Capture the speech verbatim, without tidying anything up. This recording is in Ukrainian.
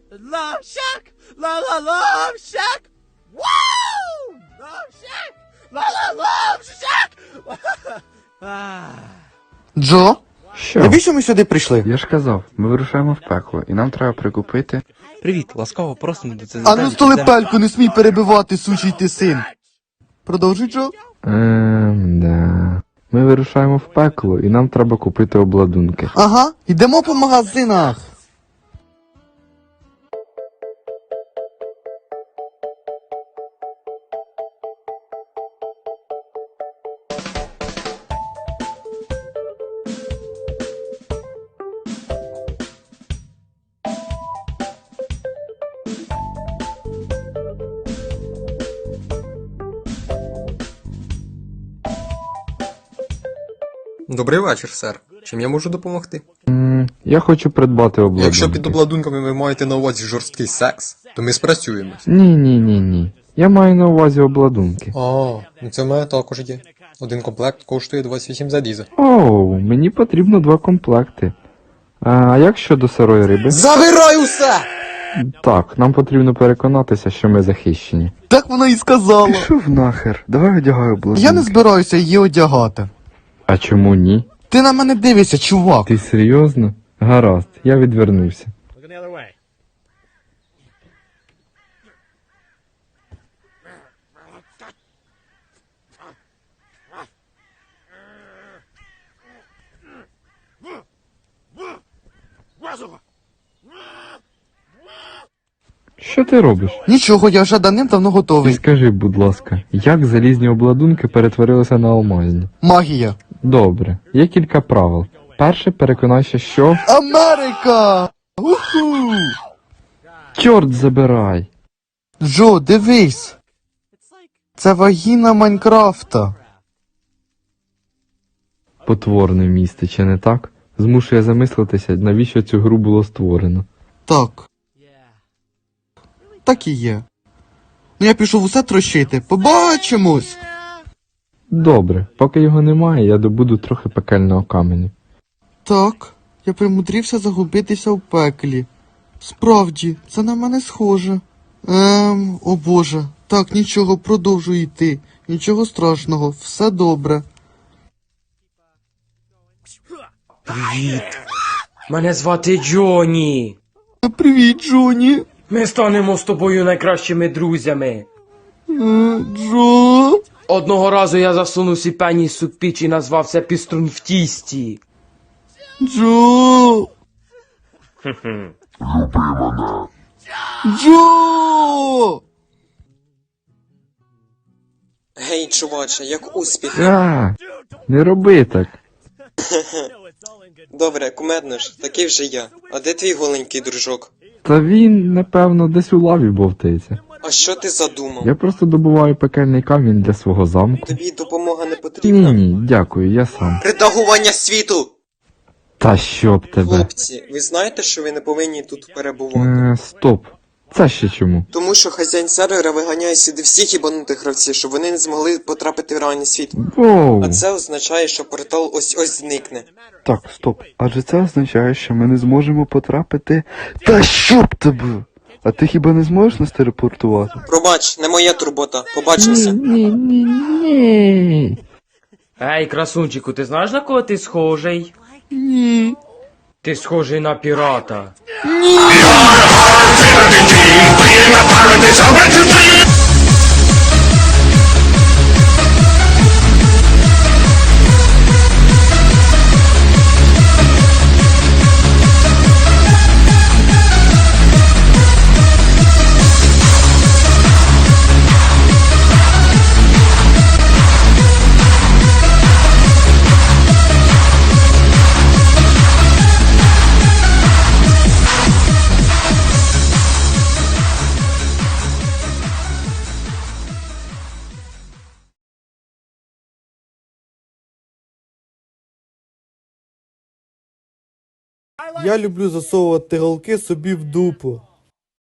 Love Shack! La la Love Shack! Woo! Love Shack! La la Love Shack! Джо? Що? Навіщо ми сюди прийшли? Я ж казав, ми вирушаємо в пекло, і нам треба прикупити. Привіт, ласкаво просимо до ЦЗ. А ну столипельку, не смій перебивати, сучий ти син. Продовжуй, Джо. Ем, да. Ми вирушаємо в пекло, і нам треба купити обладунки. Ага, йдемо по магазинах. Добрий вечір, сер. Чим я можу допомогти? М, Я хочу придбати обладунки. Якщо під обладунками ви маєте на увазі жорсткий секс, то ми спрацюємось. Ні, ні, ні, ні. Я маю на увазі обладунки. А, ну це в мене також є. Один комплект коштує двадцять вісім за діза. Оу, мені потрібно два комплекти. А як щодо сирої риби? Забирай усе! Так, нам потрібно переконатися, що ми захищені. Так вона і сказала. Пішов нахер, давай одягай обладунки. Я не збираюся її одягати. А чому ні? Ти на мене дивишся, чувак. Ти серйозно? Гаразд, я відвернувся. Looking the other way. Що ти робиш? Нічого, я вже давним-давно Ти готовий. скажи, будь ласка, як залізні обладунки перетворилися на алмазні? Магія. Добре, є кілька правил. Перше, переконайся, що... Америка! Уху! Чорт забирай! Джо, дивись. Це вагіна Майнкрафта. Потворне місце, чи не так? Змушує замислитися, навіщо цю гру було створено. Так. Так і є. Ну я пішов усе трощити. Побачимось! Добре, поки його немає, я добуду трохи пекельного каменю. Так, я примудрився загубитися в пеклі. Справді, це на мене схоже. Ем, о боже. Так, нічого, продовжуй йти. Нічого страшного, все добре. Привіт. Мене звати Джоні. Привіт, Джоні. Ми станемо з тобою найкращими друзями. Е, Джо. Одного разу я засунув сі пеніс у піч і назвав це піструн в тісті. Джо. Джо. Гей, чуваче, як успіх? А, не роби так. Добре, кумедно ж, такий вже я. А де твій голенький дружок? Та він, напевно, десь у лаві бовтається. А що ти задумав? Я просто добуваю пекельний камінь для свого замку. Тобі допомога не Ні, потрібна? ні, дякую, я сам. Редагування світу! Та щоб тебе. Хлопці, ви знаєте, що ви не повинні тут перебувати? Е, стоп. Це ще чому? Тому що хазяїн сервера виганяє сюди всіх ібанутих гравців, щоб вони не змогли потрапити в реальний світ. Воу. А це означає, що портал ось-ось зникне. Так, стоп. Адже це означає, що ми не зможемо потрапити. Та щоб тебе! А ти хіба не зможеш нас телепортувати? Пробач, не моя турбота. Побачимося. Ні, ні, ні. Ей, красунчику, ти знаєш, на кого ти схожий? Ні. Ти схожий на пірата. Я люблю засовувати голки собі в дупу.